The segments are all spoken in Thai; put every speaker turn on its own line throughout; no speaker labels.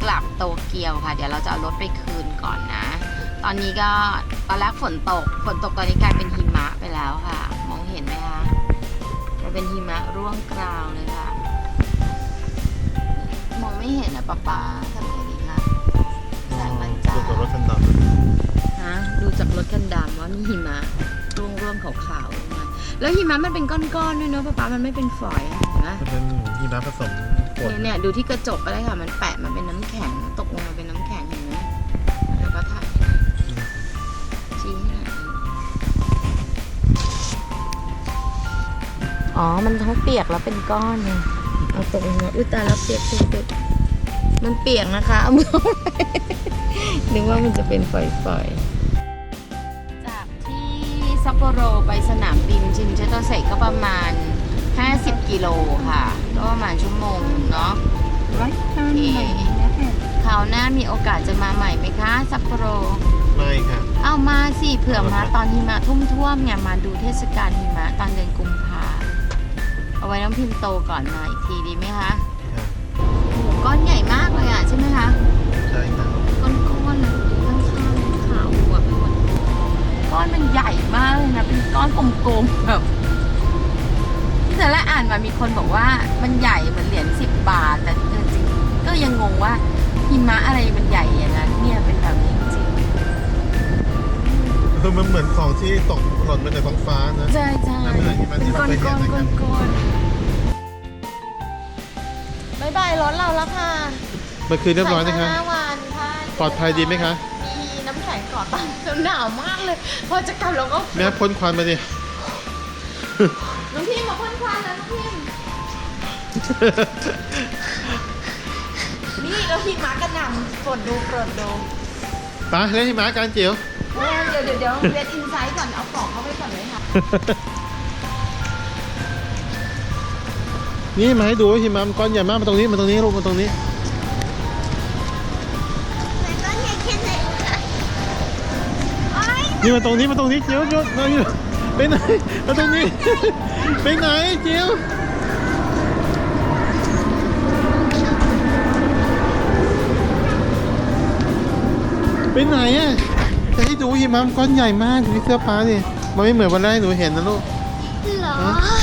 ลับโตเกียวค่ะเดี๋ยวเราจะเอารถไปคืนก่อนนะตอนนี้ก็ตอนแรกฝนตกตอนนี้กลายเป็นหิมะไปแล้วค่ะมองเห็นไหมคะกลายเป็นหิมะร่วงกราวเลยค่ะมองไม่เห็นนะป๊าทำไงดีคะแสงมันจ้า
ดูจากรถคันดำ
ฮะดูจากรถคันดำว่ามีหิมะร่วงขาวๆลงมาแล้วหิมะมันเป็นก้อนๆด้วยเนาะป๊ามันไม่เป็นฝอยเห็นไหม
มันเป็นหิมะผสมฝน
เนี่ยดูที่กระจกก็ได้ค่ะมันแปะมาเป็นน้ำแข็งตกลงมาเป็นน้ำแข็งเห็นไหมแล้วก็ถ่ายชี้ให้หน่อยอ๋อมันทั้งเปียกแล้วเป็นก้อนเลยเอาตกลงมาอุ้ยตายแล้วเปียกมันเปียกนะคะเอามือนึกว่ามันจะเป็นฝอยๆจากที่ซัปโปโรไปสนามบินชินเชโตเซก็ประมาณ50 กิโลค่ะก็ประมาณชั่วโมงเนาะคราวหน้ามีโอกาสจะมาใหม่ไหมคะซัปโปโร
ไม่ค่ะ
เอามาสิเผื่อมาตอนหิมะท่วมเนี่ยมาดูเทศกาลหิมะตอนเดือนกุมภาเอาไว้น้องพิมพ์โตก่อนมาอีกทีดีไหมคะโอ้โหก้อนใหญ่มากเลยอ่ะใช่ไหมคะ
ใช่ค่ะ
ก้อนๆนะข้างๆขาวหัวไปหมดก้อนมันใหญ่มากเลยนะเป็นก้อนกลมๆแบบแต่ละอ่านมามีคนบอกว่ามันใหญ่เหมือนเหรียญ10 บาทแต่จริงๆก็ยังงงว่าหิมะอะไรมันใหญ่อย่างนั้นเนี่ยเป็นแบบนี้จริง
คือมันเหมือนของที่ตกหล่นมาจากท้องฟ้านะ
ใช่เป็นก้อนบายบายรถเราแล้วค่ะ
เมื่อคืนเรียบร้อยนะคะ
5 วันค่ะ
ปลอดภัยดีไหมคะ
มีน้ำแข็งเกาะตังหนาวมากเลยพอจะกลับเราก็
แม่พ่นควันมาดิ
น้องพิมมาพ่นควันแล้วน้องพิมนี่เราพิมมากระหน่ำโปรดดู
ไปเล่นหิมะกันจิ๋ว
เดี๋ยวเวทอินไซต์ก่อนเอากล่องเข้าไปก่อนเลยค่ะ
นี่มาให้ดูว่าหิมะมันก้อนใหญ่มากมาตรงนี้ลูกมาตรงนี้นี่มาตรงนี้จิ๋วไปไหนมาตรงนี้ ไปไหนจิ๋วไปไหนอ่ะจะให้ดูหิมะมันก้อนใหญ่มากดูที่เสื้อผ้าดิมันไม่เหมือนวันแรกหนูเห็นนะลูก
เหรอ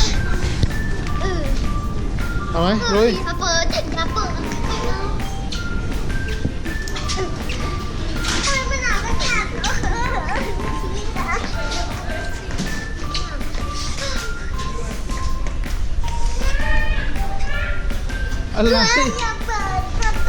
เอาไหมลุย
มาเปิดทำไมมันหนาวขนาด
อะไร
อย่าเปิดประตู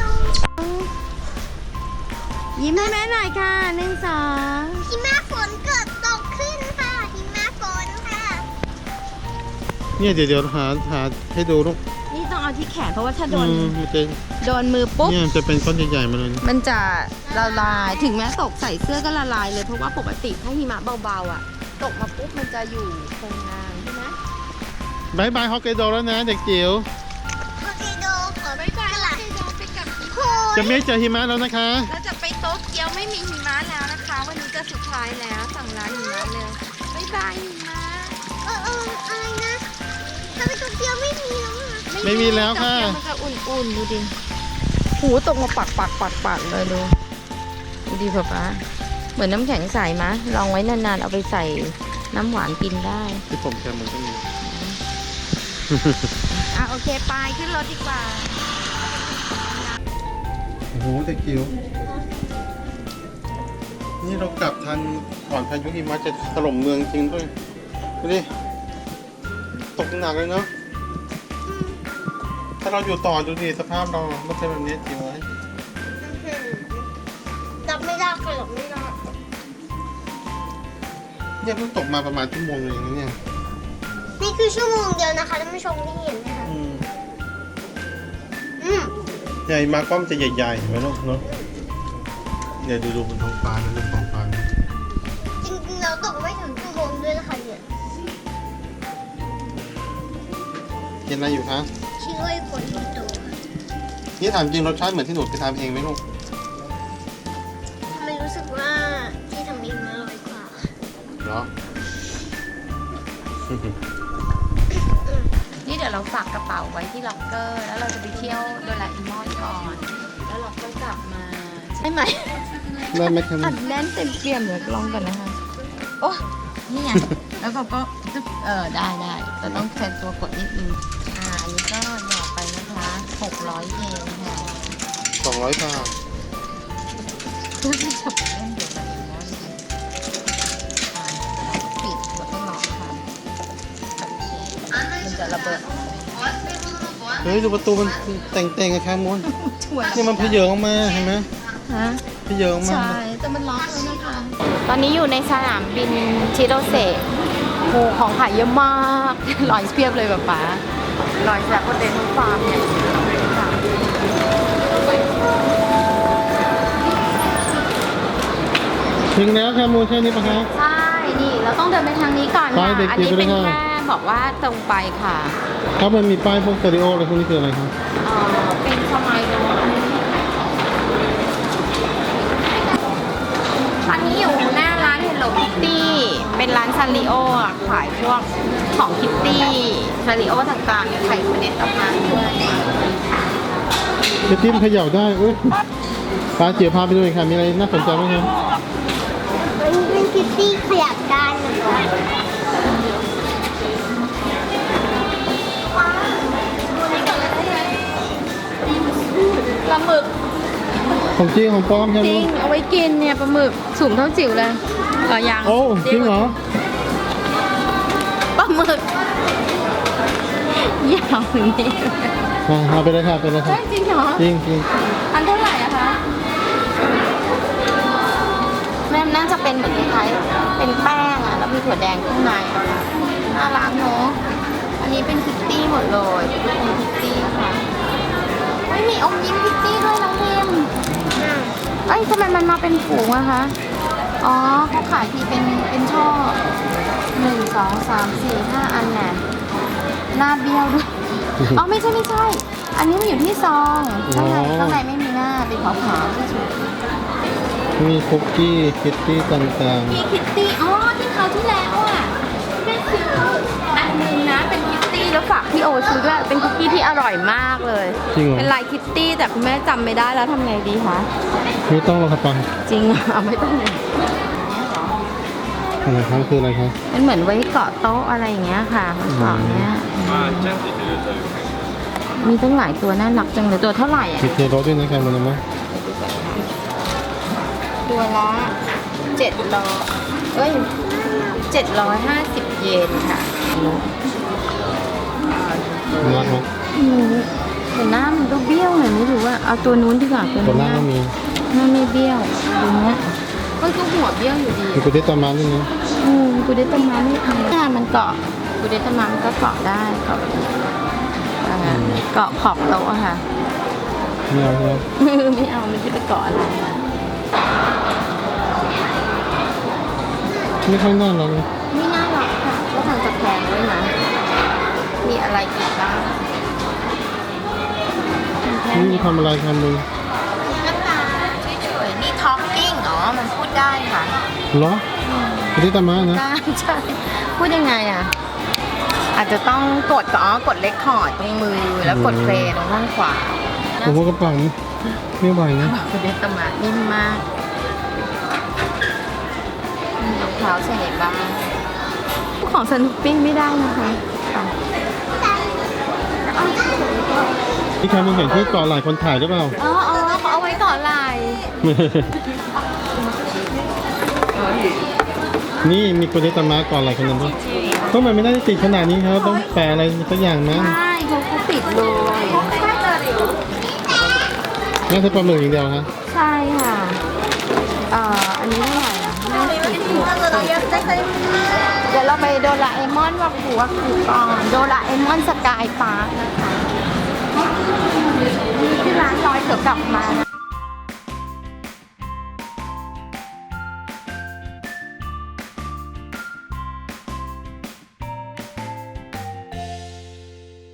ยิ้มให้แม่หน่อยค่ะ1 2
หิมะฝนเกิดตกขึ้นค่ะหิมะฝนค่ะ
เนี่ยเดี๋ยวหาให้ดูลูก
นี่ต้องเอาที่แขนเพราะว่าถ้าโดน
มันจะ
โดนมือปุ๊บ
เนี่ยมันจะเป็นก้อนใหญ่ๆมาเลยนะ
มันจะละลายถึงแม้ตกใส่เสื้อก็ละลายเลยเพราะว่าปกติถ้าหิมะเบาๆอ่ะตกมาปุ๊บมันจะอยู่คงนานใช่ไหม
บายบายฮอกไกโดแล้วนะเด็กจิ๋ว
โอเคโดขอไปกลับไปกับโค
จะไม่เจอหิมะแล้วนะคะ
เราจะไปโต๊ะเกียวไม่มีหิมะแล้วนะคะ วันนี้จะสุดท้ายแล้วสั่งร้านหิมะเร็วบ๊ายบายหิมะ
อะไรนะทำไมตัวเดียวไม่มีแล้วอ่ะ
ไม่มีแล้วค่ะ
โต๊เกียวมันจะอุ่นๆดูดิหูตกมาปักเลยดูดิป๊าเหมือนน้ำแข็งใสมะลองไว้นานๆเอาไปใส่น้ำหวานกินได้
ที่ผมแคมมันก็มี
โอเคไปขึ้นรถดีกว่า
โอ้โหเด็กจิ๋วนี่เรากลับทันก่อนพายุหิมะจะถล่มเมืองจริงด้วยดูดิตกหนักเลยเนาะถ้าเราอยู่ต่อดูดิสภาพเราไม่เป็นแบบนี้จิ๋ว
รับไม่ได้ค่ะรับไม่ได้
เนี่ยเพิ่งตกมาประมาณชั่วโมงเองนะเนี่ย
นี่คือชั่วโมงเดียวนะคะท่านผู้ชมที่เห็นนะคะ
ใหญ่มาก้อมจะใหญ่ๆเห็นไหมลูกเนาะเนี่ยดูบนท้องฟ้านะบนท้องฟ้านะ
จริงๆเราตกไม่ถึงชั่วโมงด้วยนะคะเนี่ย
กินอะไรอยู่คะ
ช่วยคนที่โต
นี่ถามจริงรสชาติเหมือนที่หนูไปทำเองไหมลูก
ทำไมรู้สึกว่าที่ทำเองอร่อยกว่า
เหรอ
นี่เดี๋ยวเราฝากกระเป๋าไว้ที่ล็อกเกอร์ แล้วเราจะไปเที่ยวโดราเอมอนก่อน แล้วเราก็จะลับมาใช่ไหม
ได้ไหมครับ
อัดแน่นเต็มเปี่ยมเดี๋ยวลองก่อนนะคะ โอ้นี่ไง แล้วก็ตึ๊บได้แต่ต้องใช้ตัวกดนิดนึงอันนี้ก็หยอดไปนะคะ600 เยนค่ะ
200 บาท
เพื่อที่จะเล่นเดี๋ยวแบบนี้ปิดแล้วก็ล็อกค่ะมันจะระเบิด
เฮ้ยดูประตูมันแต่งๆอะครับมน
ช่วย
นี่มันเพเยอออกมาเห็นไหม
ฮะ
เพเยอออกมา
ใช่ แต่มันล็อกแล้วนะคะ ตอนนี้อยู่ในสนามบินชิโรเซะโอ้ของขายเยอะมากลอยเพียบเลยแบบป๋าลอยจากโคเตนุฟาร์มเนี่ยค่ะ
ถึงแล้วครับมูใช่นี่ปะครับ
ใช่ นี่เราต้องเดินไปทางนี้ก่อน
ไป
ค่ะ
เด็ก
อัน
จิ๋ว
นี้เป็น
ไปเลยค่ะ
แค่บอกว่าตรงไปค่ะ
ครับมันมีป้ายพวกสเตอริโออะไรพวกนี้คืออะไรครับ
เป็นสมัยโน้นตอนนี้อยู่หน้าร้าน Hello Kitty เป็นร้านซาริโออะขายพวกของคิตตี้ซาริโอต่างๆมีไข่เนตออกมาด้วย
จะจิ้มเขย่าได้อุ้ยป้าเจียวพาไปดูหน่อยค่ะมีอะไรน่าสนใจไหมครับ
เป็นคิตตี้ขยับได้นะคะ
ปลาหมึก
ของจริงของปลอมใช่ไห
จ
ม
ริงเอาไว้กินเนี่ยปลาหมึกสูงเท่าจิ๋วเลยยัง
โอ้จริงเหรอ
ปลาหมึกยาวอย่างนี้
เอาไปเลยค่ะไปเลยค่ะ
ใช่จริงเหรอ
จริงจริง
อันเท่าไหร่อะคะแม่น่าจะเป็นเหมือนคล้ายๆเป็นแป้งอะแล้วมีถั่วแดงข้างในอะน่ารักเนอะอันนี้เป็นคิตตี้หมดเลยเป็นคิตตี้ค่ะไม่มีอมยิ้มคิตตี้ด้วยน้องพิมเอ้ยทำไมมันมาเป็นถุงอะคะอ๋อเขาขายทีเป็นช่อ1 2 3 4 5 อันแน่หน้าเบี้ยวด้วย อ๋อไม่ใช่ อันนี้มันอยู่ที่ซองข้างในไม่มีหน้าเป็นขาวๆที่สุด
มีคุกกี้คิตตี้ต่าง
มีคิตตี้อ๋อที่คราวที่แล้วอ่ะแม่ซื้ออันนึงนะเป็นคิตตี้แล้วฝากพี่โอซื้อด้วยเป็นคุกกี้ที่อร่อยมากเลย
ๆจริงเหรอ
เป็นลายคิตตี้แต่คุณแม่จำไม่ได้แล้วทำไงดีคะ
ไม่ต้องหรอกครับปัง
จริงอ่ะไม่ต้องเลย
อะไรครับคืออะไรครับ
มันเหมือนไว้เกาะโต๊ะอะไรอย่างเงี้ยค่ะเกาะเนี้ยมีตั้งหลายตัวน่ารักจังเลยตัวเท่าไหร่อ่ะ
มีเทโรสด้วยนะครับมันนะ
ตัวละ700 750 เยนค่ะ
น่ารักไหม
แต่หน้ามันก็เบี้ยวหน่อยไม่รู้ว่าเอาตัวนู้นดีกว่าตัว
ตัวห
นี้
น้าก็มี
หน้าไม่เบี้ยวตัวเนี้ยมันก็หัวเบี้ยวอยู่ดี
มีกุเตตามันด้วยนะ
กูเดตามาไม่ทำหน้ามันเกาะกูเดตามามันก็เกาะได้เกาะเกาะขอบโต๊ะอะค่ะ
ไม่เอาครับ
ไม่เอามันจะไปเกาะอะไร
ไม่ค่อยน่ารักเลย
ไม่น่ารักค่ะก็ทางตะแคงด้วยนะมีอะไรอีกบ้างแค่
นี่
นี้
ทำอะไรครับมึง
ก็ตาเฉยๆนี่ talking อ๋อมันพูดได้ค่ะ
เหรอกุเตตามันนะ
ได้ใช่พูดยังไงอ่ะ อาจจะต้องกดกดเลคคอร์ดตรงมือแล้วกดเพลย์ตรงข้างขวา
ผมว่ากระเป๋าไม่ไหวนะ
คุณเดตมานิ่มมากมีรองเท้าใส่ไหนบ้างของสนุปปิ้งไม่ได้นะคะค่ะ
นี่ครับมึงเห็นที่เกาะหลายคนถ่ายหรือเปล่า
อ๋อเขาเอาไว้ก่อนลาย
นี่มีกุเตตามาก่อนหลายคนนะก็มันไม่ได้ติดขนาดนี้ครับต้องแปะอะไรสักอย่างมั้ง
ใช่เขาปิดเลย
น่าจะปลาหมึกอย่างเดียวครับ
ใช่ค่ะ อันนี้เท่าไหร่อ่ะเดี๋ยวเราไปโดราเอมอนวักหูก่อนโดราเอมอนสกายพาร์คนะคะที่ร้านร้อยเดี๋ยวกลับมานะ